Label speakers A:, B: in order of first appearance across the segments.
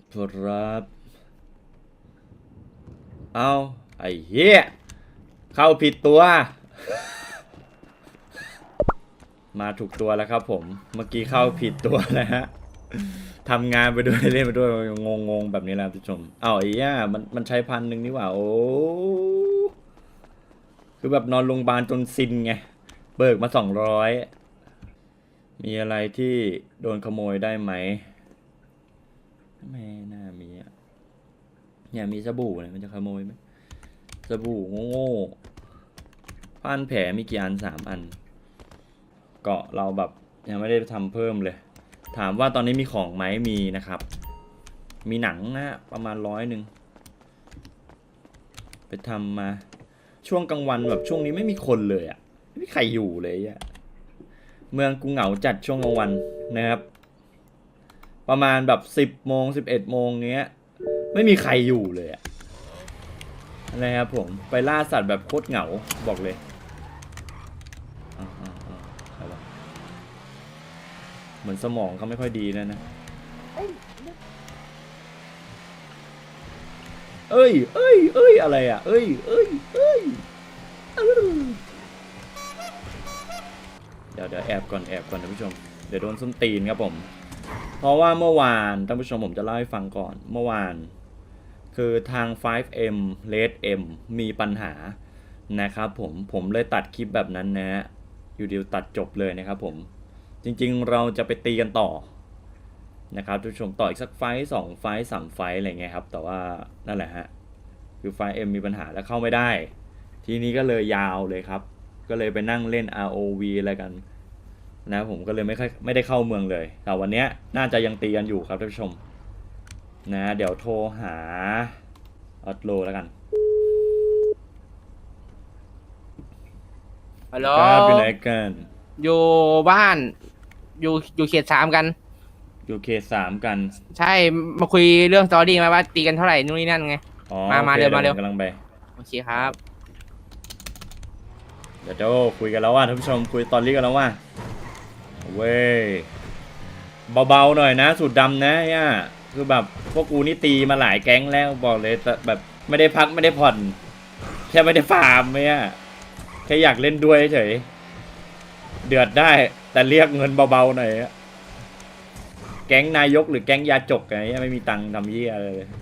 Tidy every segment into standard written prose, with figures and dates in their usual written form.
A: ครับเอาไอ้เหี้ยเข้าผิดตัว มาถูกตัวแล้วครับผมเมื่อกี้เข้าผิดตัวนะฮะทำงานไปด้วยเล่นไปด้วยงงแบบนี้แหละผู้ชมเอาไอ้เหี้ยมันใช้1,000นี่หว่าโอ้คือแบบนอนโรงพยาบาลจนซินไงเบิกมา200มีอะไรที่โดนขโมยได้ไหมไม่น่ามีอ่ะเนี่ยมีสบู่เนี่ยมันจะขโมยไหมสบู่โง่ๆผ้าพันแผลมีกี่อัน3 อันเกาะเราแบบยังไม่ได้ทำเพิ่มเลยถามว่าตอนนี้มีของไหมมีนะครับมีหนังนะประมาณ100ไปทำมาช่วงกลางวันแบบช่วงนี้ไม่มีคนเลยอ่ะไม่มีใครอยู่เลยอ่ะเมืองกูเหงาจัดช่วงกลางวันนะครับประมาณแบบ10 โมง11 โมงเงี้ยไม่มีใครอยู่เลยอะนะครับผมไปล่าสัตว์แบบโคตรเหงาบอกเลยใครวะเหมือนสมองเขาไม่ค่อยดีนะเอ้ยอะไรอ่ะเอ้ยเดี๋ยวแอบก่อนท่านผู้ชมเดี๋ยวโดนส้นตีนครับผมเพราะว่าเมื่อวานท่านผู้ชมผมจะเล่าให้ฟังก่อนเมื่อวานคือทาง 5M Red M มีปัญหานะครับผมเลยตัดคลิปแบบนั้นนะอยู่เดียวตัดจบเลยนะครับผมจริงๆเราจะไปตีกันต่อนะครับท่านผู้ชมต่ออีกสักไฟต์2 ไฟต์3 ไฟต์อะไรเงี้ยครับแต่ว่านั่นแหละฮะคือ 5M มีปัญหาแล้วเข้าไม่ได้ทีนี้ก็เลยยาวเลยครับก็เลยไปนั่งเล่น ROV อะไรกันนะผมก็เลยไม่ได้เข้าเมืองเลยแต่วันนี้น่าจะยังตีกันอยู่ครับท่านผู้ชมนะเดี๋ยวโทรหาออตโลแล้วกัน
B: ฮัลโหล
A: ครับอยู่ไหนกัน
B: อยู่บ้านอยู่เขต 3กัน
A: อยู่เขต 3กัน
B: ใช่มาคุยเรื่องสตอรี่มาว่าตีกันเท่าไหร่นู่นนี่นั่นไง
A: อ๋อ
B: มา
A: โอเค
B: เร็ว
A: เดี๋ยวผมกำลังไป
B: โอเคครับ
A: เดี๋ยวคุยกันแล้วว่าท่านผู้ชมคุยตอนนี้กันแล้วว่าเว้ยเบาๆหน่อยนะสูตรดำนะเนี่ยคือแบบพวกกูนี่ตีมาหลายแก๊งแล้วบอกเลยแต่แบบไม่ได้พักไม่ได้ผ่อนแค่ไม่ได้ฟาร์มเนี่ยแค่อยากเล่นด้วยเฉยเดือดได้แต่เรียกเงินเบาๆหน่อยแก๊งนายกหรือแก๊งยาจกไงไม่มีตังค์ทำเยี่ยอะไรเลย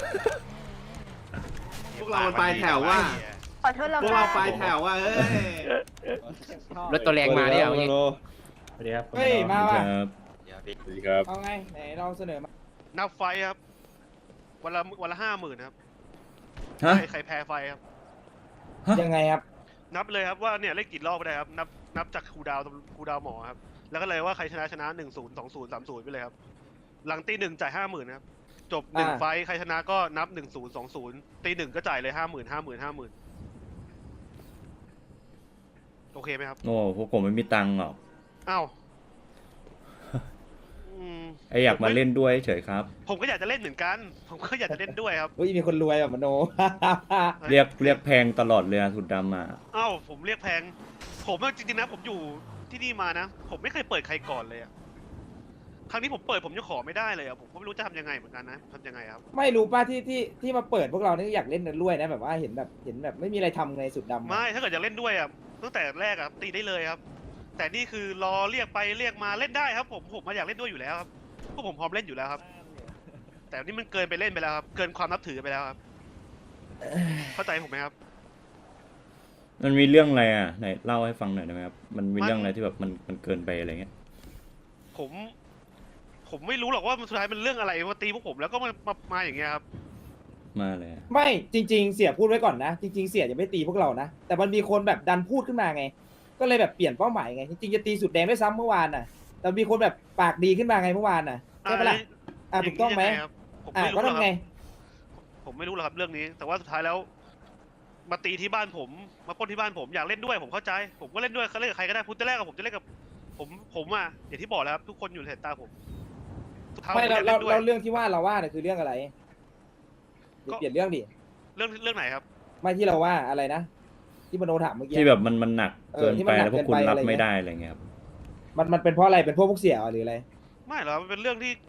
C: พวกเรามันปลายแถวว่า
D: ขอโทษเรา
C: พวกเราปลายแถวว่าเอ้ย
B: รถตัวแรงมาเนี่ยเอางี้
E: สวัสดีครับ
F: เฮ้ย มาว่ะ
A: ครับสวัสดีครับ
F: เอาไง ไหนเราเสนอมา
G: นับไฟครับวันละ50,000ครับ
A: ฮะ
G: ใครแพ้ไฟครับ
F: ยังไงครับ
G: นับเลยครับว่าเนี่ยเล่นกี่รอบก็ได้ครับนับจากครูดาวหมอครับแล้วก็เลยว่าใครชนะ1-0 2-0 3-0ไปเลยครับหลังตี 1จ่าย50,000ครับจบ1 ไฟใครชนะก็นับ1-0 2-0ตี 1ก็จ่ายเลย50,000โอเคไหมครับ
A: โอ้พวกผมไม่มีตังค์หรอก
G: อ้าวอืม
A: ไออยากมาเล่นด้วยเฉยครับ
G: ผมก็อยากจะเล่นเหมือนกัน ผมก็อยากจะเล่นด้วยครับ
F: เฮ้ย มีคนรวยแบบมโน
A: เรียกแพงตลอดเลยอะสุดดำมา
G: อ้าวผมเรียกแพงผมจริงๆนะผมอยู่ที่นี่มานะ ผมไม่เคยเปิดใครก่อนเลยอะครั้งนี้ผมเปิดผมยังขอไม่ได้เลยอะผมก็ไม่รู้จะทำยังไงเหมือนกันนะทำยังไงครับ
F: ไม่รู้ป่ะที่มาเปิดพวกเรานี่อยากเล่นกันด้วยนะ แบบว่าเห็นแบบไม่มีอะไรทำในสุดดำ
G: ไม่ถ้าเกิดอยากเล่นด้วยอะตั้งแต่แรกอะตีได้เลยครับ แต่นี่คือรอเรียกไปเรียกมาเล่นได้ครับ ผมมาอยากเล่นด้วยอยู่แล้วครับพวกผมพร้อมเล่นอยู่แล้วครับ แต่นี่มันเกินไปเล่นไปแล้วครับเกินความนับถือไปแล้วครับเข้าใจผมไหมครับ
A: มันมีเรื่องอะไรอ่ะไหนเล่าให้ฟังหน่อยได้ไหมครับมันมีเรื่องอะไรที่แบบมันเกินไปอะไรเงี้ย
G: ผมไม่รู้หรอกว่ามันสุดท้ายมันเรื่องอะไรมาตีพวกผมแล้วก็มาอย่างเงี้ยครับ
A: มาเลยอะ
F: ไม่จริง ๆ เสียพูดไว้ก่อนนะ จริง ๆ เสียจะไม่ตีพวกเรานะ แต่มันมีคนแบบดันพูดขึ้นมาไง ก็เลยแบบเปลี่ยนเป้าหมายไง จริงๆจะตีสุดแดงด้วยซ้ำเมื่อวานน่ะ แต่มีคนแบบปากดีขึ้นมาไงเมื่อวานน่ะใช่ปะล่ะถูกต้องไหม
G: ย่านี้ยัครับผมไม่รู้
F: ก็
G: หรอก
F: ทำ
G: ค
F: ไง
G: รับผมไม่รู้หรอกครับเรื่องนี้ แต่ว่าสุดท้ายแล้ว มาตีที่บ้านผมมาปล้นที่บ้านผมอยากเล่นด้วยผมเข้าใจ ผมก็เล่นด้วยเขาเล่นกับใครก็ได้พูดแต่แรกกับผมจะเล่นกับผมอ่ะอย่างที่บอกแล้วครับทุกคนอยู่ในสายตาผมสุดท้าย
F: ไม่
G: ผมอยากเล่นด้วย
F: เราเรื่องที่ว่าเราว่าเนี่ยคือเรื่องอะไรเปลี่ยนเรื่องดิ
G: เรื่องไหนครับ
F: ไม่ที่เราว่าอะไรนะ ที่มโนถามเมื่อกี้
A: ที่แบบมันหนักเกิน
F: ที่
A: ไป
F: มันหนัก
A: แล้วพวกคุณ
F: เกินไป
A: รับ
F: อะไรเงี้ย
A: ไม่ได้อะไรเงี้ยครับ
F: มันเป็นเพราะอะไรเป็นพวกเสียหรืออะไร
G: ไม่หรอกมันเป็นเรื่องที่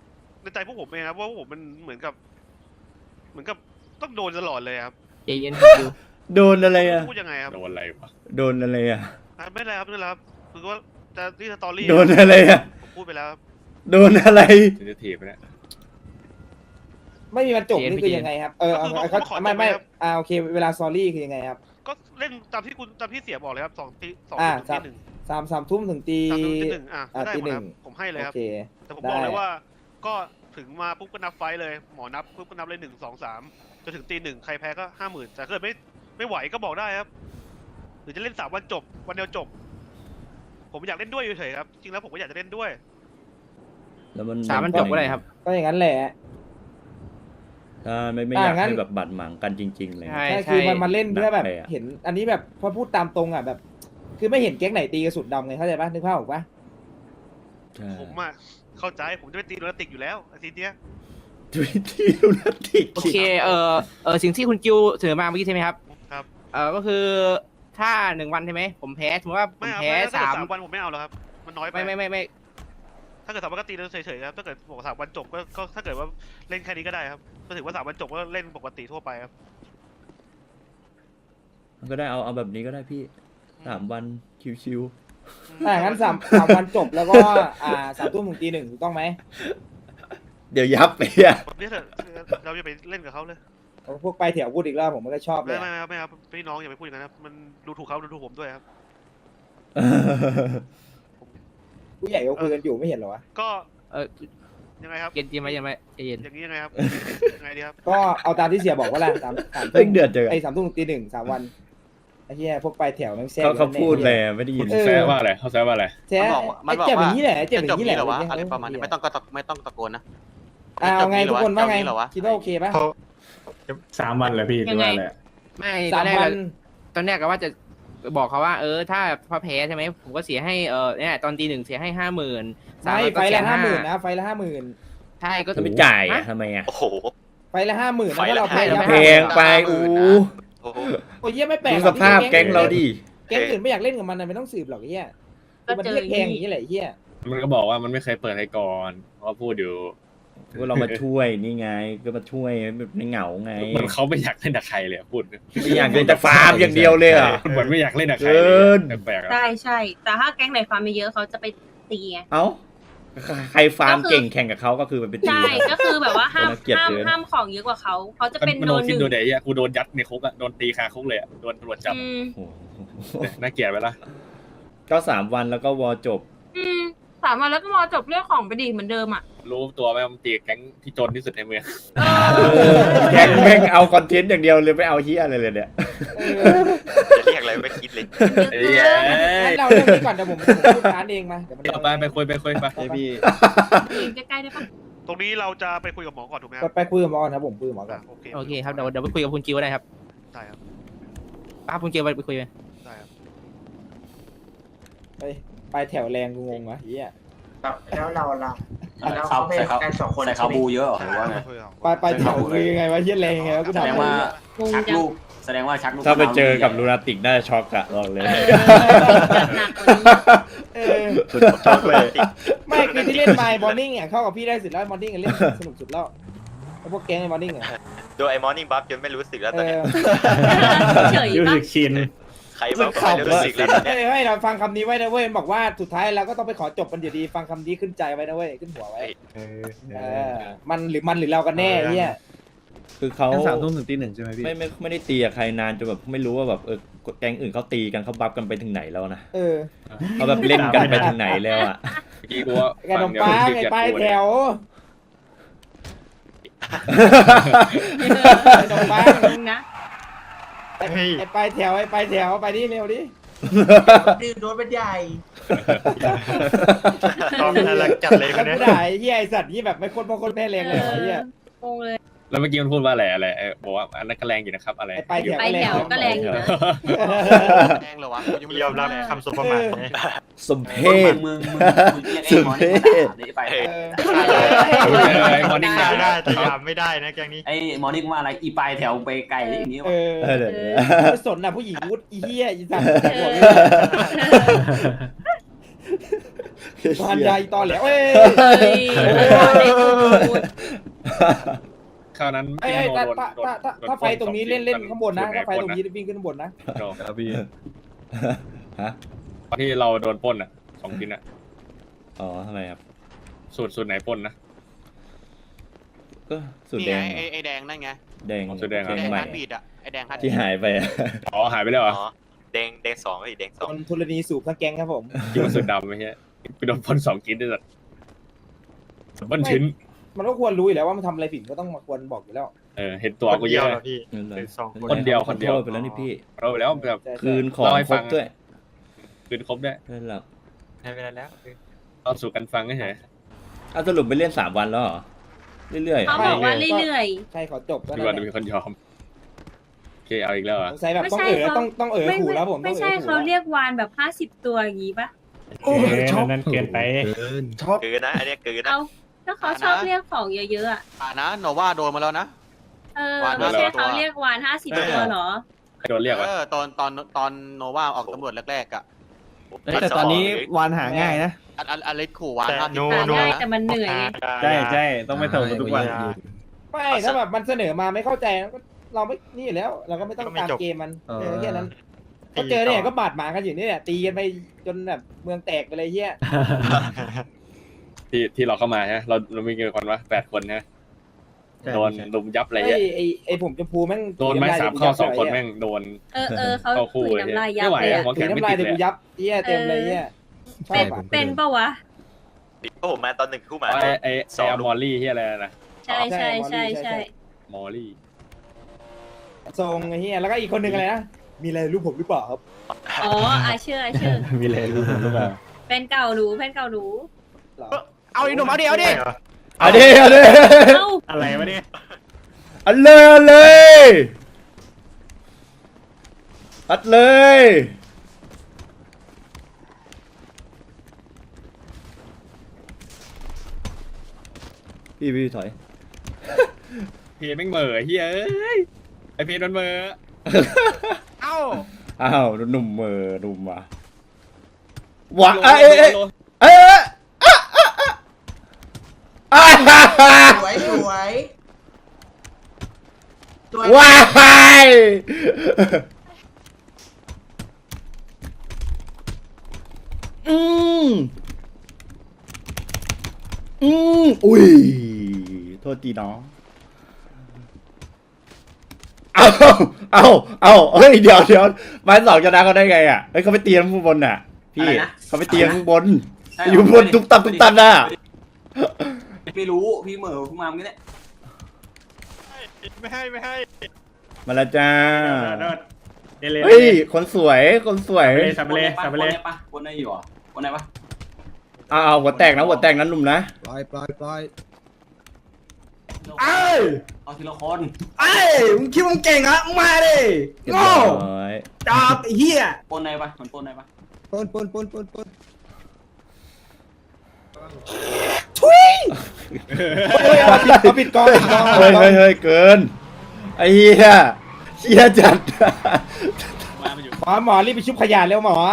G: ในใจพวกผมเองครับว่าพวกผมมันเหมือนกับต้องโดนตลอดเลยครับ
B: ใจเย็นคิว
A: โดนอะไรอ่ะ
G: พูดยังไงครับ
D: โดนอะไรวะ
A: โดนอะไรอ่ะ
G: ไม่เป็นไรครับไม่เป็นไรครับคือว่าจะที่สตอรี่
A: โดนอะไรอ่ะ
G: ผมพูดไปแล้วครับ
A: โดนอะไร
D: เซนซิทีฟเนี่ย
F: ไม่มีวันจบนี่คือยังไงครับเขาไม่โอเคเวลาซอรี่คือยังไงครับ
G: ก็เล่นตามที่เสียบอกเลยครับ2 ตี
F: อ่า
G: 2 ตี 1
F: 3 ทุ่มถึงตี
G: 3 ตี 1ได้
F: ตี
G: หมด
F: หนึ่
G: ครับ
F: ง
G: ผมให้เลย
F: โอ
G: ครับ
F: เค
G: แต่ผมบอกเลย
F: ได้
G: ว่าก็ถึงมาปุ๊บก็นับไฟต์เลยหมอนับปุ๊บก็นับเลย1 2 3จนถึงตี 1ใครแพ้ก็ 50,000แต่ถ้าเกิดไม่ไหวก็บอกได้ครับหรือจะเล่น3 วันจบวันเดียวจบ ผมอยากเล่นด้วยเฉยๆครับจริงแล้วผมก็อยากจะเล่นด้วย
A: แล้วมัน
B: 3 วันจบก็ได้ครับ
F: ก็อย่างนั้นแหละ
A: ถ้าไม่อยาก
F: งั้น
A: ให้แบบบาดหมางกันจริงๆเลย
B: ใช่
F: ใช่คือมันมาเล่นเพื่อแบบ
A: หนักเลยอะ
F: เห็นอันนี้แบบพอพูดตามตรงอ่ะแบบ คือไม่เห็นแก๊งไหนตีกระสุนดำไงเข้าใจปะนึกภาพออกปะ
A: ใช่
G: ผมอะเข้าใจผมจะไปตีโดนติกอยู่แล้วอาทิตย์เนี้ย
A: ทวิตที่ลูนาติก
B: โอเคสิ่งที่คุณกิวเสนอมาเมื่อกี้ใช่ไหมครับ
G: ครับ
B: ก็คือถ้า1 วันใช่ไหมผมแพ้สมมติว่าผ
G: ไม่
B: ม
G: เอา
B: แพ้
G: ไม่ถ้าเกิด
B: 3
G: 3 วันผมไม่เอาแล้วครับมันน้อยไป
B: ไม่
G: ถ้าเกิด3 วันก็ตีแล้วเฉยๆครับถ้าเกิดบอก3 วันจบก็ถ้าเกิดว่าเล่นแค่นี้ก็ได้ครับก็ถือว่า3 วันจบก็เล่นปกติทั่วไปครับ
A: มันก็ได้เอาแบบนี้ก็ได้พี่3 วันชิว
F: งั้น3 วันจบแล้วก็3 ทุ่มถึงตี 1ถูกต้องไหม
A: ๆเดี๋ยวยับไปอ่ะ
G: แบบนี้เถอะเราจะไปเล่นกับเขาเลย
F: พวกไปแถวพูดอีกแล้วผมก็ชอบเล
G: ไม่
F: ย
G: ครับไม่ครับพี่น้องอย่าไปพูดอย่างนั้นครับมันดูถูกเขาดูถูกผมด้วยครับ
F: ผู้ใหญ่เขาคุยกันอยู่ไม่เห็นเหรอวะ
G: ก็
B: เออ
G: ยังไงครับ
B: เย็นใจเย็น
G: อย่างนี้ยังไงครับยังไงดีครับ
F: ก็เอาตามที่เสียบอกว่าแหละ3
A: เร่งเดือดเจอ
F: 3 ทุ่มถึงตี 1 3 วันไอ้เหี้ยพวกไปแถวแม่งแซ่บ
A: เขาพูดเลยไม่ได้ยิน
D: แซวว่าอะไรเขาแซวว่าอะไร
F: แซ่บ
E: มันบอก
F: เจ็บอ
E: ว่า
F: ย่างนี้แหละเจ็บอ
E: จะจ
F: ย่า
E: บ
F: งนี้แห
E: นี้
F: ละ
E: เหรอวะอะไรประมาณนี้ไม่ต้องตะโกนนะ
F: เอาไงทุกคนว่าไง
E: จะจบนี้เหรอวะ
F: คิดว่าโอเคปะ
H: 3 วันเลยพี่หรือว่าอะไร
B: ไม่ต
F: สา
B: อน
F: ม
B: แรก
F: วัน
B: ตอนแรกก็ว่าจะบอกเขาว่าถ้าพอแพ้ใช่ไหมผมก็เสียให้เนี่ยตอนตี 1เสียให้ 50,000
F: ไม่ไฟละ50,000นะไฟละ50,000
B: ใช่ก็
A: ถ้าไม่จ่ายอ่ะทำไมอ่ะ
E: โอ้โห
F: ไฟละ50,000นะ
E: ไฟ
F: ถ้า
E: ละ
F: เราแพ้
B: 50,000
A: แพงไปอู้
E: โอ้โห
F: โอ้ยเหี้ยไม่แปลก
A: ดู
F: หร
A: ส
F: อก
A: ภาพแก๊งเราดิ
F: แก๊งอื่นไม่อยากเล่นกับมันนะไม่ต้องสืบหรอกไอ้เหี้ยมันเรียกแพงอย่างนี้แหละไอ้เหี้ย
D: มันก็บอกว่ามันไม่เคยเปิดให้ก่อนเพราะพูดอยู่
A: ก็เรามาช่วยนี่ไงก็มาช่วยในเหงาไง
D: เหมือนเขาไม่อยากเล่นกับใครเลยพูด
A: ไม่อยากเล่นแต่ฟาร์มอย่างเดียวเลยอ่ะ
D: เหมือนไม่อยากเล่นกับใครเลยแปลกๆอะ
I: ใช่ใช่ แต่ถ้าแก๊งไหนฟาร์มเยอะๆเขาจะไปตีไง
A: เอ้าใครฟาร์มเก่งแข่งกับเขาก็คือมันเป็นตี
I: ใช่ ก็คือแบบว่าห้าม
A: น่าเกลียด
I: ห้าม
A: เกิน
I: ห้ามของเยอะกว่าเขาจะเป็น
D: มัน
I: โด
D: โด
I: น
D: น
I: ห
D: คิด
I: นึ่ง
D: ดูเดี๋ยวกูโดนยัดในคุกอะโดนตีคาคุกเลยอะโดนตำรวจจับ
I: อืม
A: โอ้โห
D: น่าเกลียดไปละ
A: ก็3 วันแล้วก็วอจบ
I: 3 วันแล้วก็มอจบเรื่องของไปดีเหมือนเดิมอ่ะ
D: รู้ตัวไหมมันตีแก๊งที่จนที่สุดในเมือง
A: แก๊งแม่งเอาคอนเทนต์อย่างเดียวเลยไม่เอาเฮียอะไรเลยเนี่ย
E: จะเรียกอะไรไม่คิดเลย
F: งั้นเราเรื่องนี้ก่อนเดี๋ยวผมพูดร้านเองมาเดี๋ยวมัน
D: เอาไปคุยไป
F: พี่
I: ใกล้ๆได้ปะ
G: ตรงนี้เราจะไปคุยกับหมอก่อนถูกไหมครับ
F: ไปคุยกับหมอก่อนครับผมคุยกับหมอก่อน
G: โอเค
B: โอเคครับเดี๋ยวไปคุยกับคุณกิวได้ครับ
G: ได้ครับ
B: ป้าคุณกิวไปคุยไป
G: ได้ครับ
F: ไปแถวแรงกูงงวะเหี้ย
J: แล้วเราล่ะ
E: เขาใส่เขา
J: กัน2 คน
E: ใส่เขาบูเยอะหรือว่าไง
F: ไปแถวคือยังไงวะเหี้ยแรงยังไงวะกู
E: แส
F: ถาม
E: ดงว่า
I: งง
E: ชัก
I: จัง
E: ลูกแสดงว่าชักลูก
A: ถ้าไปเจอกับลูนาติกน่าจะช็อกอะบอกเลย
I: จัดหนักกว่านี้
F: เออ
A: สุดช็อกเลย
F: ไม่คือที่เล่นไมล์บอลนิ่งอ่ะเข้ากับพี่ได้สุดแล้วบอลนิ่งเล่นสนุกสุดแล้วไอ้พวกแก๊งไอ้บอลนิ่งอ่ะ
E: โดยไอ้มอร์นิ่งบัฟจนไม่รู้สึกแล้วต
F: เอ
E: อนเนี้ย
F: อ
I: เฉย
H: รู้
I: ปะ
H: สึกชิน
E: ใครบอกว่าไม่รู้สึกแล้วตอนเนี้ย
F: ให้เราฟังคำนี้ไว้นะเว้ยบอกว่าสุดท้ายเราก็ต้องไปขอจบมันอยู่ดีฟังคำนี้ขึ้นใจไว้นะเว้ยขึ้นหัวไว้มันหรือเรากันแน่เนี่ย
A: คือเขา
H: 3 ทุ่มถึงตี 1ใช่ไหมพี่
A: ไม่ได้ตีกับใครนานจนแบบไม่รู้ว่าแบบแก๊งอื่นเขาตีกันเขาบัฟกันไปถึงไหนแล้วนะ
F: เออ
A: เขาแบบเล่นกันไปถึงไหนแล้วอ่ะ
D: กี้กูว่า
F: ขนมปังไอ้ป้ายแถวขนมปัง
I: งงนะ
F: ไอ้ป้ายแถวไปนี่เร็วดิ
J: ดื้อโดนเป็นใหญ่
H: ต้องน่ารักจัดเลย
F: แล้วกูด่าไอ้เหี้ยไอ้สัตว์นี่แบบไม่คนบางคนแพ้แรงเลยไอ้เหี้ย
I: งงเลย
D: แล้วเมื่อกี้มันพูดว่าอะไรบอกว่าอันนั้นก็แรงอยู่นะครับอะไร
F: ไอ้ป้ายแถว
I: ไปแถวก็แรงอยู่นะ
E: แรงเหรอวะ
H: ยอมรับคำสมประมาท
A: สมเพศ
E: มึง
A: สุดเท่
E: ไป
D: ไอ้มอร์นิ่ง
H: ได้แต่ยามไม่ได้นะแกงนี้
E: ไอ้มอร์นิ่งว่าอะไรอีปลายแถวไปไกลอย่างนี้
F: เอ
E: วะ
F: อ
A: เดี๋ยว
F: ไม่สนน่ะผู้หญิงวุฒิอีเหี้ยอีสัตว์
I: เออ
F: บานใหญ่ตอนแหลวเอ้ย
I: เฮ้ยได้พูด
D: คราวนั้น
F: ไอ้
D: พี่โน
F: ถ้าไฟตรงนี้เล่นข้างบนนะ ถ้าไฟตรงนี้
D: โด
F: วิ่งขึ้นข้างบนนะ
H: ครับพี่
A: ฮะ
D: ตอนที่เราโดนปล้นอ่ะ2ชิ้นอ่ะ
A: อ๋อทำไมครับ
D: สูตรไหนปล้นนะ
A: ก็สุด
E: นี่
A: แด
E: ไง
A: งเหรอ
E: ไอ้แดงนั่นไง
A: แดง
D: สุดแดง
E: ไอ้แดง
A: ใหม่
E: ฮาร์ดบีดอะไอ้แดงฮาร์ดบี
A: ที่
E: ด
A: หายไปอะ
D: อ๋อหายไปแล้วเหรอ
E: อ๋อแดงสองไอ้แดงส
F: โด
E: อง
F: นธรณีสูบทั้งแก๊งครับผม
D: คิดว่าสุดดำไหมเฮียไปโดนปล้น2ชิ้นด้วยสัตว์ปล้นชิ้น
F: มันก็ควรรู้อยู่แล้วว่ามันทำอะไรผิดก็ต้องมาควรบอกอยู่แล้ว
D: เห็นตัวกูเยอะ
H: พี่
A: นั่นเลย
H: เป็นสองคน
D: คนเดียว
A: ขอโทษไปแล้วนี่พี่
D: เราไปแล้วแบบ
F: ใช่
A: คืนของ
D: เล่าให้
A: ค
D: ฟั
A: รบ
D: ง
A: ด้วย
D: คืนครบด้วย
A: นั่นแหละ
H: ให้เวลาแล้ว
D: เราสู่กันฟังเฉย
A: เอาสรุปไปเล่น3 วันแล้วเหรอ เรื่อยๆ
I: เขา
A: อะ
I: บอกว่าเรื่อย
F: ใช่ขอจบก็
D: ๆ
F: ได้
D: พี่วันมีคนยอมโอเคเอาอีกแล้วเหรอ
F: สงสัยแบบ
I: ไม่
F: ต้อง
I: ใช่
F: เอ๋อ
I: เขา
F: ต้องเอ๋อ
I: ไม่
F: ขู่แล้วผม
I: ไม่ใช่
F: ต้องอ๋อขู่
I: เขา
F: แล้ว
I: เรียกวานแบบ50 ตัวอย่างงี้ปะ
H: นั่นเกินไป
E: กืนนะอันเนี้ยกืนนะ
I: เอาถ้าเขาชอบเรียกของเยอะๆอ่ะ
E: นะโนวาโดนมาแล้วนะ วาน
I: ไม่ใช่
E: 50 ตัว
I: เขาเรียกวาน50 ตัวเหรอ
D: ใครโดนเรียกวะ
E: ตอนโนวาออกตำรวจแรกๆอะ
C: แต่ตอนนี้วานหาง่ายนะ
E: อันเล็กขู่วาน
H: แต่
E: ห้าสิบ
H: โน
I: หาง่ายแต่มันเหนื่อยไง
C: ใช่ต้องไปส่งทุกวัน
F: ไม่ถ้าแบบมันเสนอมาไม่เข้าใจก็เราไม่นี่อยู่แล้ว เราก็ไม่ต้องตามเกมมันแค่นั้นก็เจอเนี่ยก็บาดหมางกันอยู่นี่แหละตีกันไปจนแบบเมืองแตกไปเลยเฮีย
D: ที่เราเข้ามาใช่ไหมเรามีกี่คนวะ8 คนนะโดนลุมยับอะไร
F: ไอ้
D: เงี้ย
F: ไอ้ผมจะพูแม่ง
D: โดนไม้3 เข้า2 คนแม่งโดน
I: เขา
D: เข้าคู่
I: ถุย
D: เลย
I: น้ำลายยั
D: ไม่
I: บ
D: ไหว
I: เลย
D: อะ
I: อะ
D: หัว
F: ถื
D: แข็
F: อง
D: ไม่
F: น้ำลาย
D: ติด
F: แต่
D: เล
F: กู
D: ย
F: ยับเฮียเต็มเลยเฮียชอบอ่ะ
I: เป็นปะวะ
E: เพราะผมมาตอนหนึ่งคู่มา
D: ไอ้มอลลี่ที่อะไรนะ
I: ใช่ใช่
D: มอลลี่
F: ทรงไอ้เฮียแล้วก็อีกคนหนึ่งอะไรนะมีอะไรรู้ผมหรือเปล่าครับ
I: อ๋ออาเชื่อ
C: มีอะไรรู้หรือเปล่า
I: เป็นเก่ารู้
F: เหรอ
C: เอาอีหนุ่มเอาดิเอาดิ
A: เอาดิเอาดิ
I: เอ้า
C: อะไรวะเนี่ย
A: อัดเลยอัดเลยอัดเลยพี่ถอย
D: เพจแม่งเหม่อเฮ้ยไอเพจมันเหม่อ
C: เอ้า
A: อ้าวหนุ่มหนุ่มว่ะว้าเอ้ย
J: สวยสวย
A: ว้ายอุ้ยโทษทีน้องเอาเฮ้ยเดี๋ยวไม้2ชนะเขาได้ไงอ่ะเฮ้ยเขาไปเตียงข้างบนน่ะพี่เขาไปเตียงข้างบนอยู่บนตุ๊บตับน่ะ
E: ไม่รู้พี่เหม่อขึ้นมาเมื่อกี้เนี่ย
H: ไม่ให้
A: มาแล้วจ้า
H: เดี๋ยวเลย
A: เฮ้ยคนสวย
H: สับเลยสับเลย
E: ปะคนไหนอยู่อ่ะคนไหนปะ
A: เอาหัวแตกนะหนุ่มนะ
C: ปล่อย
E: เอาทีละคน
C: ไอ้มึงคิดว่ามึงเก่งอะมึงมาดิ
A: เรียบ
C: โง่
A: ร้อย
C: จับไอ้เหี้ย
E: ปนไหนปะมันปนไหนปะ
C: ปนทุย
F: เอาปิดกอง
A: เฮ้ยเกินไอ้เหี้ยจัด
F: หมอรีบไปชุบขยะเร็วหมอ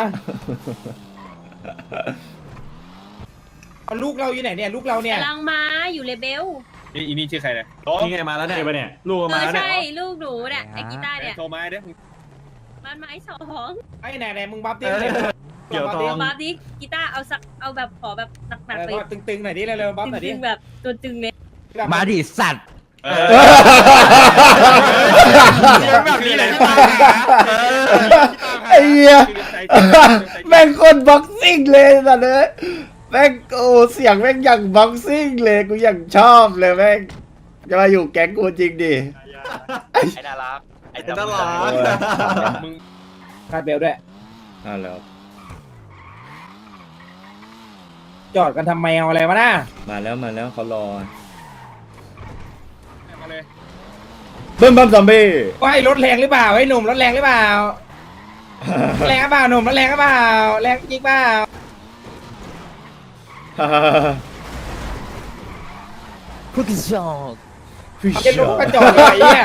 F: เอาลูกเราอยู่ไหนเนี่ยลูกเราเนี่ย
I: กำลังมาอยู่เลเบล
D: อีนี่ชื่อใครเนี่ย
C: นี่ไงมาแล้วเนี่ยลูกมาแล้วเนี่ย
I: ใช่ลูกหนูเนี่ยไอ้กีตาร์เนี่ย
D: โทรมาเด้อ
I: มันไม้2
F: ไอ้ไหนมึงบัฟดิ
C: เกี่ยวทอง
I: บัฟดิกีตาร์เอาแบบขอแบบหนักๆเลย
F: ตึงๆหน่อยดิเร็วๆบัฟหน่อยดิ
I: ตึงๆแบบตัวตึงเลย
C: มาดิสัตว์
H: แบบนี้เลย
A: ไอ้เหี้ยแม่งคนบ็อกซิ่งเลยสัตว์เลยแม่งโอ้เสียงแม่งอย่างบ็อกซิ่งเลยกูอย่างชอบเลยแม่งจะมาอยู่แก๊งกูจริงดิ
E: ไอ้น่ารักไอ้น่ารัก
D: มึง
F: คาดเบลด้วย
A: แล้ว
F: จอดกันทำไมเอาอะไรวะน่ะ
A: มาแล้วเขารอ
D: มาเลย
A: เบิ้มบัมซอมบี้
F: ว่าไอ้รถแรงหรือเปล่าไอ้หนุ่มรถแรงหรือเปล่าแรงหรือเปล่าหนุ่มรถแรงหรือเปล่าแรงจริงเปล่าเจะลุกกระจอกเลยเนี่ย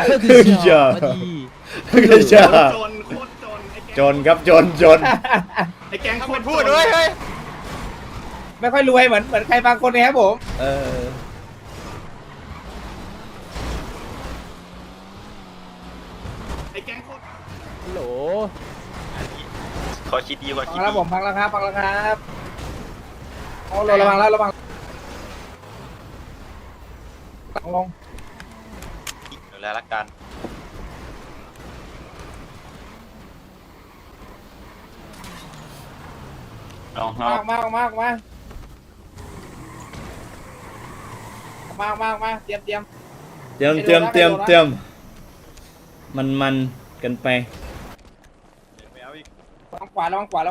A: จนครับจน
C: ไอ้แกงคนพูดด้วยเฮ้ย
F: ไม่ค่อยรวยเหมือนใครบางคนนะครับผม
A: เออ
B: ฮัลโหล
E: ขอคิดดีกว่า
F: พั
E: คิ
F: ง
E: ด
F: แล้ว
E: ดี
F: ผมพังแล้วครับโอ้ระวังแล้วระวังลง
E: ดูแลละกัน
H: ลอง
F: ออกมาเตรียม
A: เตรียมมันกันไป
F: ลองขวา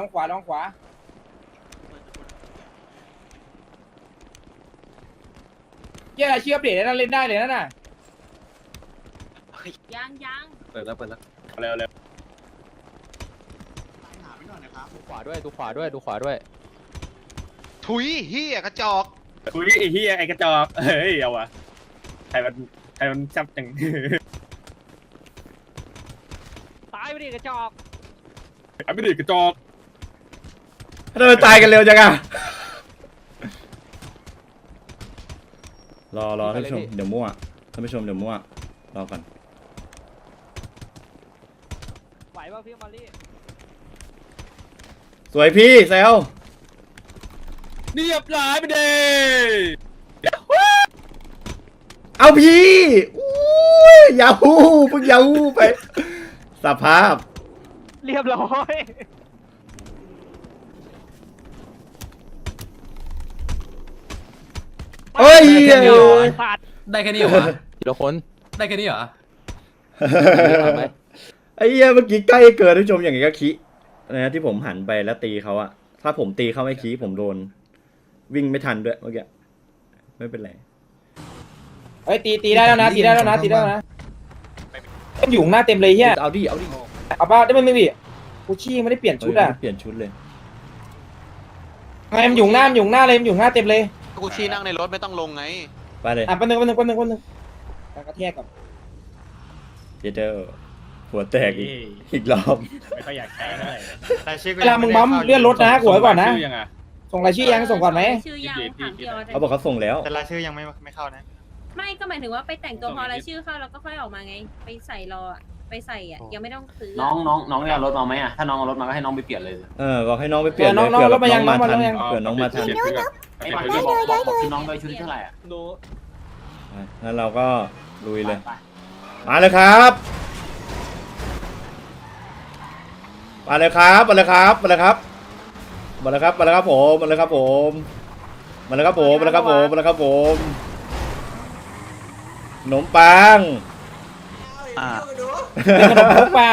F: เยี่ยอะไรเชื่อเปลี่ยนนั่นเล่นได้เลยนั่นน่ะ
I: ยัง
D: เปิดแล้วเร็ว
B: ดูขวาด้วยดูขวาด้วย
G: ถุยเฮียกระจอก
D: คุยไอ้เหี้ยไอ้กระจอกเฮ้ยเอาวะใครมันจับจัง
B: ตายไปดิกระจอก
D: ไอ้ไม่ดีกระจอก
A: ทำไมตายกันเร็วจังอะรอท่านผู้ชมเดี๋ยวมั่วท่านผู้ชมเดี๋ยวมั่วรอก่อน
B: ไหวป่ะพี่มารี
A: สวยพี่เซล
D: เรียบร้อยไปเด้
A: เอาพี่อู้ยยาฮูเพิ่งยาฮูไปสภาพ
B: เรียบร้อย
A: เอ้ย
B: สัตว์
C: ได้แค่นี้เหรอวะ
B: ทีละคน
C: ได้แค่นี้เหรอ
A: ไอ้เหี้ยเมื่อกี้ใกล้เกินท่านผู้ชมอย่างงี้ก็คินะที่ผมหันไปแล้วตีเขาอะถ้าผมตีเขาไม่คีผมโดน วิ่งไม่ทันด้วยเมื่อกี้ไม่เป็นไร
F: เฮ้ยตีได้แล้วนะมันอยู่หน้าเต็มเลยเฮีย
A: เอาดิ
F: เอาป่ะได้ไม่ดิกูชี้ไม่ได้เปลี่ยนชุดอ่ะ
A: เปลี่ยนชุดเลย
F: ไงมันอยู่หน้าเลยมันอยู่หน้าเต็มเลย
E: กูชี้นั่งในรถไม่ต้องลงไง
A: ไปเลย
F: แป๊บนึงกระแทกกับ
A: เจเดอร์หัวแตกอีกรอบ
H: ไม่ค่อยอยากแข่งเลย
F: เวลามึงบัมเลื่อนรถนะกูไว้ก่อนนะ
D: ชื่ยังไง
F: ส่งรายชื่อยังส่งก่อนไหม
I: ชื่อยังถามเดียว
A: เขาบอกเขาส่งแล้ว
E: แต่รายชื่อยังไม่เข้านะ
I: ไม่ก็หมายถึงว่าไปแต่งตัวพอรายชื่อเข้าแล้วก็ค่อยออกมาไง ไปใส่รออะไปใส่อ่ะยังไม่ต้องซื้อ
C: น้องได้เอารถมาไหมอ่ะ ถ้าน้องเอารถมาก็ให้น้องไปเปลี่ยนเลย
A: บอกให้น้องไปเปลี่ยนเลย
F: น้อง
A: เผื่อ
F: รถมายัง
A: น้องมาทัน
F: น้องมายัง
A: เผื่อน้องมาทัน
C: ไอ้บอกชุดน้องด้วยชุดที่เท่าไหร่อ่ะ
A: งั้นเราก็ลุยเลย มาเลยครับผมมาเลยครับผมขนมปัง
F: ขนมพกเปล่า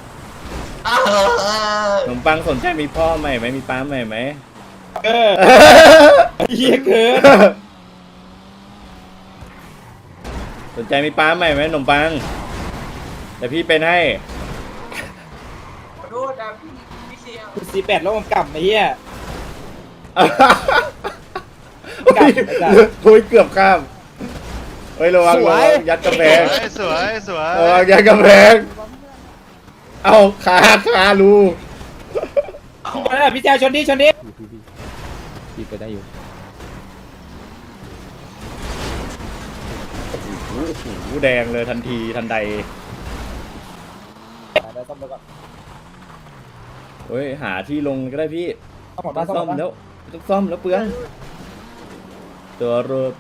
A: ขนมปังสนใจมีพ่อใหม่ไหมมีป้าใหม่ไหม
F: เฮียเกิน
A: สนใจมีป้าใหม่ไหมขนมปังแต่พี่เป็นให้
J: ขอโทษนะพี่เสีย
F: 48แล้วผมกลับไอ้เฮีย
A: โอ้ยเกือบข้ามเฮ้ยระวังยัดกระแพง
G: สวย
A: ระวังยัดกระแพงเอาขารู
F: พี่แจวชนดิ
B: พี่ไปได้อยู่
A: โอ้โหแดงเลยทันทีทันใดเฮ้ยหาที่ลงก็ได้พี่ต้องซ่อมแล้วเปลืองตัวรถ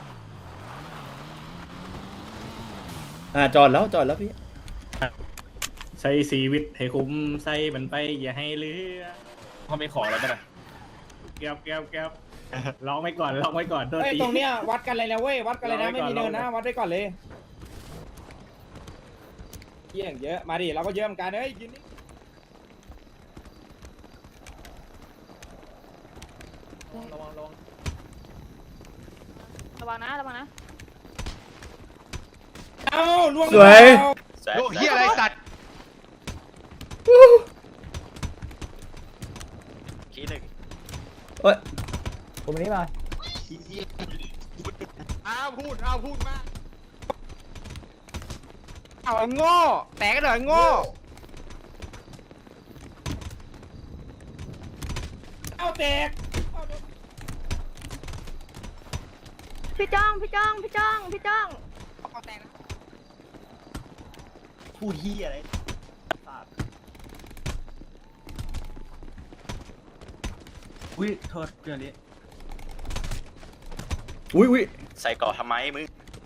A: จอดแล้วพี่
H: ใส่ชีวิตให้คุ้มใส่มันไปอย่าให้เหลือ
D: เขาไม่ขอแล้วป่ะ
H: แก้วร้องไว้ก่อนโทษ
F: เฮ้ย
H: ที
F: ตรงเนี้ยวัดกันเลยนะเว้ยวัดกันเลยนะไม่มีเนินนะวัดได้ก่อนเลยเยี่ยงเยอะมาดิเราก็เยอะเหมือนกันเฮ้ยยืนนี่ระวัง
I: ระวังนะ
F: เอ้าล่วง
A: สวย
G: โอ้เฮียอะไรสัตว์
E: ขี้หนึ่ง
A: เอ้ย
F: ผมนี้มา
G: พูดมาก
B: เอาไอ้โง่แตกกันเหรอไอ้โง่
F: เอาแตก
I: พี่จ้องพี่จ้องพี่จ้องพี่จ้อง
E: พูดที่อะไร
C: อุ้ยโทษเรื่องนี้
A: อุ้ย
E: ใส่ก่อทำไมมึง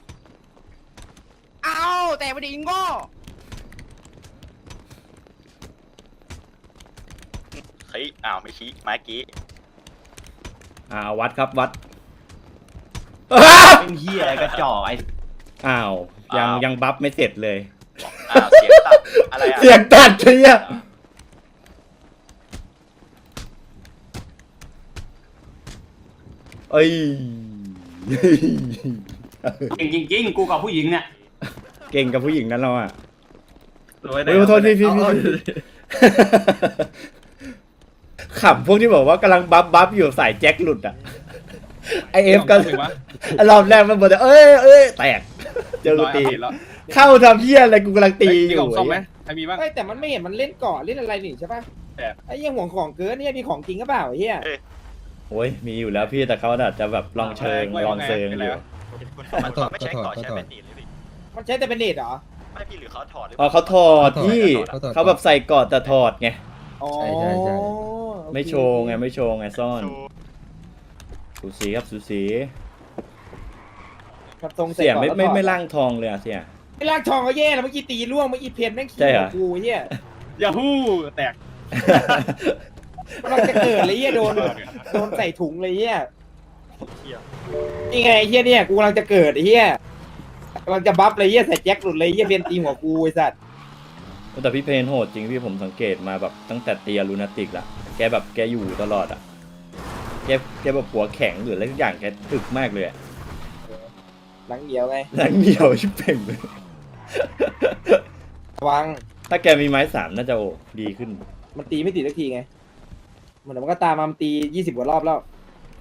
B: เอาแต่ไม่ได้ยิงโง่
E: เฮ้ยอ้าวไม่ชี้ไม้กี้
A: วัดครับวัด
C: เป็นเฮียอะไรกระจอกไอ้
A: อ้าวยังบัฟไม่เสร็จเลย
E: อ้าวเสียงตัดอะไรอ่ะ
A: เสียงตัดเชียเอ้ย
C: จริงๆกูกับผู้หญิงเนี่ย
A: เก่งกับผู้หญิงนั้นเราอ่ะ
D: โอ้ย
A: เฮ้ยขอโทษพี่ขับพวกที่บอกว่ากำลังบัฟอยู่สายแจ็คหลุดอ่ะไอเอฟก็รอบแรกมันบอกแต่เอ้ยแตกเจอกูตีเข้าทำเพี้ยอะไรกูกำลังตีอยู่
D: ซ่อมไหมใครมีบ้าง
F: เฮ้ยแต่มันไม่เห็นมันเล่นเกาะเล่นอะไรนี่ใช่ปะ
D: แบบ
F: ไอ้เหี้ยห่วงของเกินเนี่ยมีของจริงก็เปล่าไอ้เหี้ย
A: โอ้ยมีอยู่แล้วพี่แต่เขาอาจจะแบบลองเชิงลองเซิงอยู่
E: มันไม่ใช่ก่อใช้เป็นตีเลยพี่
F: มันใช้แต่เป็นเนตเหรอ
E: ไม่พี่หรือเขาถอดหรือ
A: อ๋อเขาถอดพี่เขาแบบใส่กอดแต่ถอดไง
F: อ๋อ
A: ไม่โชว์ไงไม่โชว์ไงซ่อนสูสีครับสูสี
F: ครับทรง
A: เสีย
F: ก่อนแล้ว
A: ไม่
F: ถอด
A: ล่างทองเลยอะเสีย
F: ไม่ล่างทองก็แย่แล้วเมื่อกี้ตีร่วงเมื่อกี้เพนแม่งขี้
A: ใช่เหรอ
F: กูเหี้ย
D: ยาฮู้แตก
F: มันจะเกิดเลยเหี้ยโดนใส่ถุงเลยเหี้ยนี่ไงไอ้เหี้ยเนี่ยกูกำลังจะเกิดไอ้เหี้ยกำลังจะบัฟเลยเหี้ยใส่แจ็คหลุดเลยเหี้ยเพนตีหัวกูไอ้สัตว์
A: แต่พี่เพนโหดจริงพี่ผมสังเกตมาแบบตั้งแต่เตียลูนาติกละแกแบบแกอยู่ตลอดอ่ะแกแบบหัวแข็งหรืออะไรทุกอย่างแกถึกมากเลยอะ
F: หลังเดียวไง
A: หลังเหนียวชิบเป่งเลย
F: ระวัง
A: ถ้าแกมีไม้สามน่าจะดีขึ้น
F: มันตีไม่ติดสักทีไงมันก็ตามมามันตี20 กว่ารอบแล้ว
A: โอ้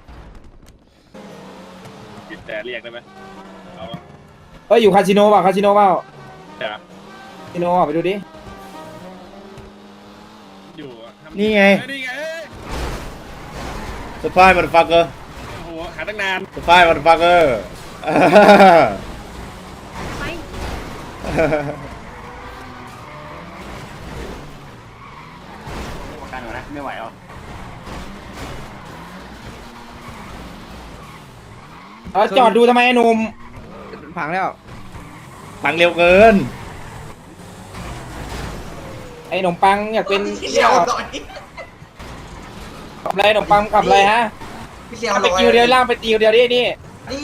D: ติดแต่เรียกได้ไหมเอาวะ
F: เอ้ยอยู่คาสิโนเปล่าคาสิโนเปล่า
D: แต่
F: คาสิโนอ่ะไปดูดิ
D: อยู่อะทำ
A: นี่ไง
D: นี่ไง
A: สปายมันฟักเกอร์
D: โอ้โหหาตั้งนาน
A: สปายมันฟักเกอร์
I: ไป
C: ประกันหน่อยนะไม่ไหวหรอ
F: จอดดูทำไมไอ้หนุ่ม
B: พังแล้ว
A: ปังเร็วเกิน
F: ไอ้หนมปังอยากเป็น
J: พี่เลี้ยวหน่อย
F: ขับอะไรหนมปังขับอะไรฮะ
J: พี่เลี้ยวห
F: ไป
J: น่อย
F: กิวเดียวล่างไปติวเดียวดินี่
J: นี่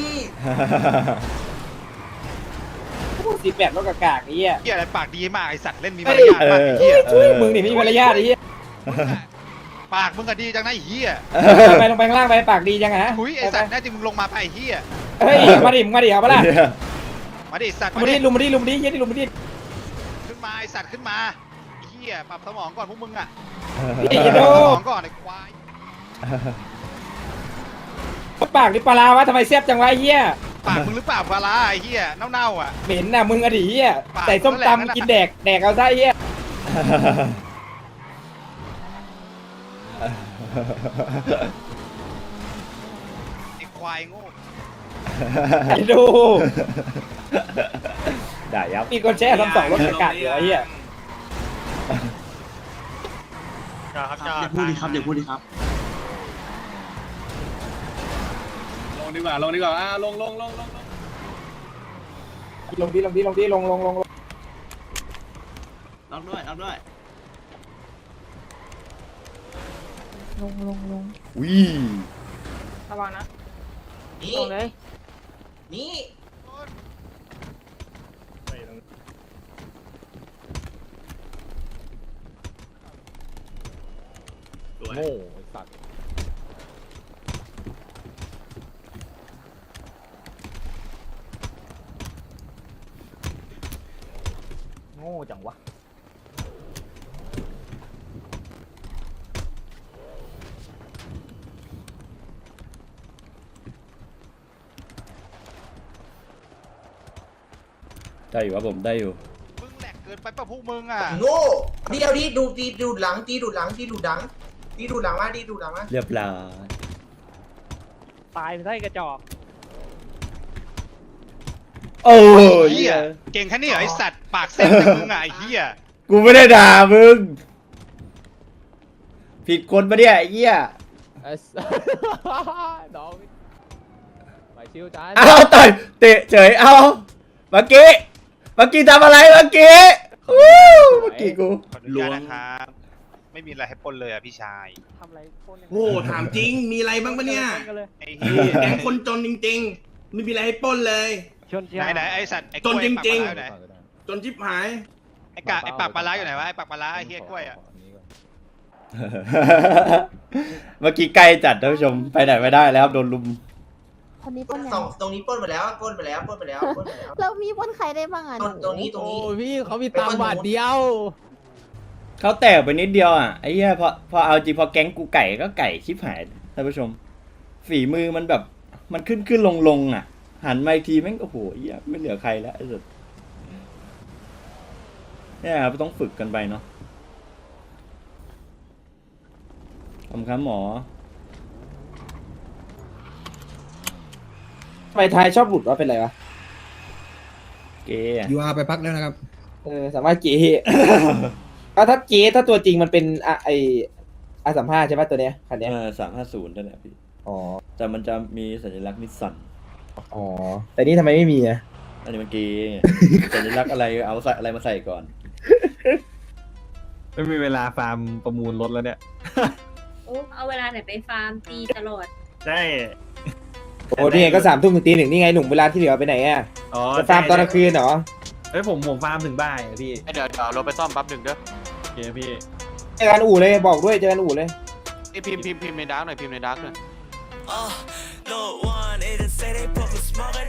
F: 18รถกากากไอ้เหี้ย
G: เหี้ยอะไรปากดีมากไอสัตว์เล่นมี
F: เฮ้
G: มาย รยาทมากไอ้เหี้ย
F: มึงนี่ไม่มีมารยาทไอ้เหี้ย
G: ปากมึงก็ดีจังนะไอ้เหี้ย
F: ไปลงไปข้างล่างไปปากดีจังฮะ
G: หุยไอสัตว์แน่จริงมึงลงมาไปไอ้เหี้ย
F: เฮ้ยมาดิเอาปะล่ะ
G: มาดิไอ้สัตว์
F: มาดิลุมมาดิเหี้ยดิลุมมาดิ
G: ขึ้นมาไอสัตว์ขึ้นมาไอ้เหี้ยปรับสมองก่อนพวกมึงอ่ะ
F: ไอ้เหี้ย
G: ป
F: โด
G: รับสมองก่อนไอ้ควาย
F: ปากนี่ปลาร้าวะทำไมแซ่บจังวะไอ้เหี้ย
G: ปากมึงหรือเปล่าปลาร้าไอ้เหี้ยเน่าๆอ่ะ
F: เหม็นน่ะมึงอดีเหี้ย
G: ปาก
F: ใส่ส้ม
G: นั่นแหละ
F: ตำกินแดกเอาซะไอ้เหี้ย
G: ไอ้ควายโง่
F: ไอ้ดู
A: ด่ายับ
F: มีคนแช่ทำ2รถกากากเหรอไอ้เหี้ย
C: อย่าพูดดิครับอย่าพูดดิครับ
D: ลงดีกว่าลงดีกว่าลง
F: ลงดิลง
C: รับด้วยรับด้วย
A: อุ้ย
I: ระวังนะ
J: นี่
I: ลงเลย
J: นี่
D: โง่สัตว์
A: โง่จังวะ ได้อยู่ครับผมได้อยู่
G: มึงแหลกเกินไปป่ะพวกมึงอ่ะ
J: โง่เดียวดิดูหลังตีดูหลังมาตีดูหลังมา
A: เรียบร้อย
B: ตายไปได้กระจอก
A: โอ้ย
K: เหี้ยเก่งแค่นี้เหรอไอสัตว์ปากเส้นแต่มึงอะไอ้เหี้ย
A: กูไม่ได้ด่ามึง ผิดคนปะเนี่ยไอ้เหี้ย
B: น้องไปชิวจาน
A: เอาต่อยเตะเฉยเอาเมื่อกี้ทำอะไรเมื่อกี้วู้เมื่อกี้กู
K: ขออนุญาตนะครับไม่มีอะไรให้ปล้นเลยอะพี่ชาย
B: ทำอะไรโคนเนี่ย
C: โอ้ถามจริงมีอะไรบ้างปะเนี่ย
K: ไอ้เหี้ย
C: แกงคนจนจริงๆไม่มีอะไรให้ปล้นเลย
K: ไหนไอสัตว์ไอ้ก
C: จ
K: ล้
C: น
K: วย
C: จริงๆ
K: ปากปลาร้าอยู่ไหน
C: จนชิบหาย
K: ไอ้ปากปลาร้าอยู่ไหนวะไอ้ปากปลาร้าไอ้เหี้ยกล้วยอะ
A: เมื่อกี้ใกล้จัดท่านผู้ชมไปไหนไม่ได้แล้วโดนลุม
J: คนนี้ปล้น
C: ตรงนี้ปล้นไปแล้วปล้นไปแล้วปล้นไปแล้วปล้นไปแล้ว
J: เรามีปล้นใครได้บ้างอ่ะ
C: ตรงนี้
B: โอ้พี่เขามีตังค์บาทเดียว
A: เขาแตกไปนิดเดียวอ่ะไอ้เหี้ยพอเอาจริงพอแก๊งกูไก่ก็ไก่ชิบหายท่านผู้ชม ฝีมือมันแบบมันขึ้นลงอ่ะ หันมาอีกทีแม่งโอ้โหเหี้ยไม่เหลือใครแล้วไอ้สุดเนี่ยครับต้องฝึกกันไปเนาะขอบคุณครับหมอ
F: ทำไมท้ายชอบหลุดว่าเป็นไรวะ
A: เกย์อะ
H: ยูอาร์ไปพักแล้วนะครับ
F: สามารถเก๋ ถ้าเก๋ถ้าตัวจริงมันเป็นR35ใช่ป่ะตัวเนี้ยคันเนี้ย
A: 350นั่นแหละพี่
F: อ๋อ
A: แต่มันจะมีสัญลักษณ์นิสสัน
F: อ๋อแต่นี่ทำไมไม่มีอ่ะ
A: อันนี้มันเกย์ สัญลักษณ์อะไรเอาใส่อะไรมาใส่ก่อน
H: ไม่มีเวลาฟาร์มประมูลรถแล้วเนี่ย
I: โอ้เอาเวลาไหนไปฟาร์มตีตลอด
H: ใช่
F: โอ้นี่ไงก็3 ทุ่มถึงตี 1นี่ไงหนุ่มเวลาที่เหลือไปไหนอ่ะ
H: อ๋อ
F: จะฟาร์มตอนกลางคืนเหรอ
H: เฮ้ยผมฟาร์มถึงบ่ายอะพี่
E: เดี๋ยวเราไปซ่อมแป๊บหนึ่งเด้อ
H: โอเคพี่
F: เจอกันอู่เลยบอกด้วยเจอกันอู่เลย
E: ไอพิมพ์ในดาร์กหน่อยพิมพ์ในดาร์กหน่อย
L: No one, it say they put me smoke